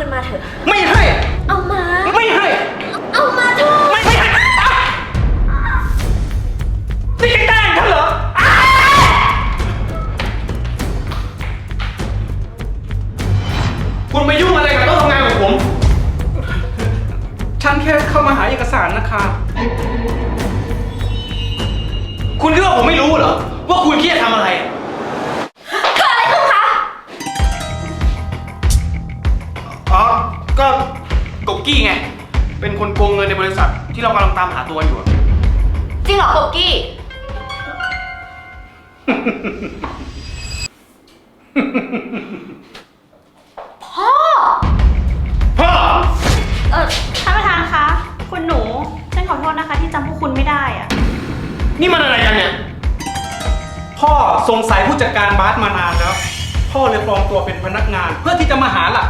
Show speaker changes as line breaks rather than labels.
คืนมาเถอะ
ไม่ให้
เอามา
ไม่ให้
เอามาเถอะ
ไม่ให้นี่แกล้งฉันเหรอคุณไปยุ่งอะไรกับโต๊ะทำงานของผม ฉันแค่เข้ามาหาเอกสารนะคะคุณคิดว่าผมไม่รู้เหรอว่าคุณเครียดทำอะไร
เกิดอะไรขึ้นคะ
อ๋อ ก็กบกี้ไง เป็นคนโกงเงินในบริษัทที่เรากำลังตามหาตัวอยู่
จริงเหรอโกกี้ พ่อ
พ่อ
ท่านประธานคะ คุณหนู ฉันขอโทษนะคะที่จำพวกคุณไม่ได้อะ
นี่มันอะไรกันเนี่ย พ่อสงสัยผู้จัดการบาสมานานแล้ว พ่อเลยปลอมตัวเป็นพนักงานเพื่อที่จะมาหาหลัก